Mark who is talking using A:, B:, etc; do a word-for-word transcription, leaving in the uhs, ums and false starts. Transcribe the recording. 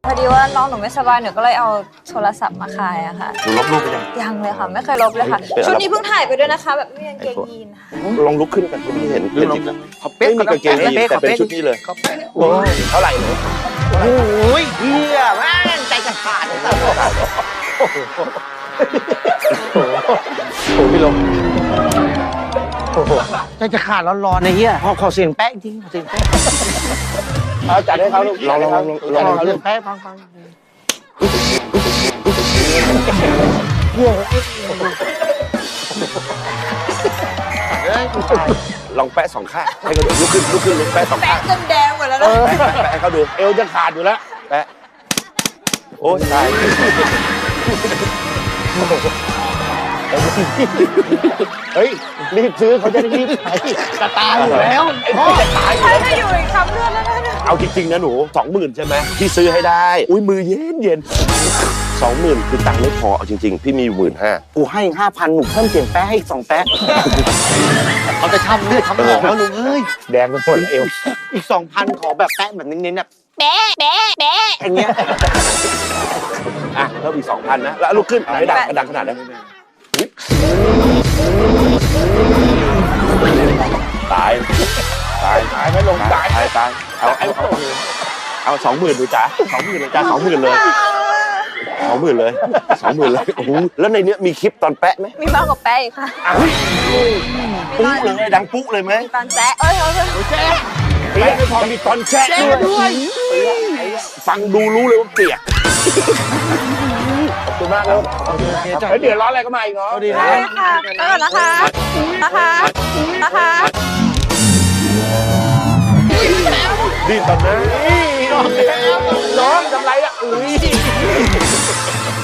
A: พอดีว่าน้องหนูไม่สบายหนูก็เลยเอาโทรศัพท์มาขายอะค่ะ
B: หนูลบรูปไปยัง
A: ยังเลยค่ะไม่เคยลบเลยค่ะชุดนี้เพิ่งถ่ายไปด้วยนะคะแบบไม่มีกางเกงยีนค่ะ
B: ลองลุกขึ้นกันพี่เห็นเป็นจริงแล้วไม่มีกางเกงยีนแต่เป็นชุดนี้เลยโอ้ยเท่าไหร่เนี่ย
C: โอ้ยเฮียแม่งใจจะขาดเลยครับ
B: โอ้โหพี่ลง
C: ใจจะขาดร้อนๆในเฮียขอขอเสียงแป๊ะจริงขอเสียงแป๊ะ
B: เอาจัดให้เขาลูกลองลองลองลองให้เขาลูก
C: แป๊ะฟังฟัง
B: ลองแปะสองข้างให้เขาดูลุกขึ้นลุกขึ้นลุกแปะสองข้าง
A: แปะจนแดงหมดแล้วนะ
B: แปะให้เขาดูเอวจะขาดอยู่แล้วแปะโอ้ยตาย
C: เฮ้ยรีบซื้อเขาจะได้รีบไปจะตายอยู่แล้วพ่อ
B: จะตายอยู่
A: แล้วถ้าอยู่อีกคำเลือดแล้วนะ
B: เอาจริงๆนะหนูสองหมื่นใช่ไหมพี่ซื้อให้ได้อุ้ยมือเย็นเย็นสองหมื่นคือตังค์ไม่พอเอาจริงๆพี่มีหมื่นห้า
C: กูให้ห้าพันหนูเพิ่มเสียงแป๊ะให้อีกสองแป๊ะเขาจะช้ำเลือดช้ำหนองแล้วลุงเอ้ย
B: แดงไปหมดเอว
C: อีกสองพันขอแบบแป๊ะแบบเน้นๆแบบ
A: แป๊ะแป๊ะแป๊ะ
C: อย่างเงี้ย
B: อ่ะเพิ่มอีกสองพันนะแล้วลุกขึ้นไหนดังดังขนาดนั้นตายตายตายไม่ลงตายตายตายเอาเอาเอาเอาสองหมื่นดูจ้าสองหมื่นเลยจ้าสองหมื่นเลยสองหมื่นเลยสองหมื่นเลยโอ้โหแล้วในเนี้ยมีคลิปตอนแปะไหม
A: มีมากกว่าแป๊ะอีกค่ะ
B: ปุ๊เลยดังปุ๊เลยไหม
A: ตอนแจ๊ะเอ้ยเอ้ย
B: แจ๊ะแป๊ะไม่พอมีตอนแจ๊ะด้วยฟังดูรู้เลยว่าเปียกขอบคุณมากแล้วเดี๋ยวร้อนอะไรก็มาอีกเนาะ
A: ดีนะค่ะไปก่อนนะคะนะคะนะคะ
B: ดีตอนนั้นน้องน้องทำไรอ่ะอุ้ย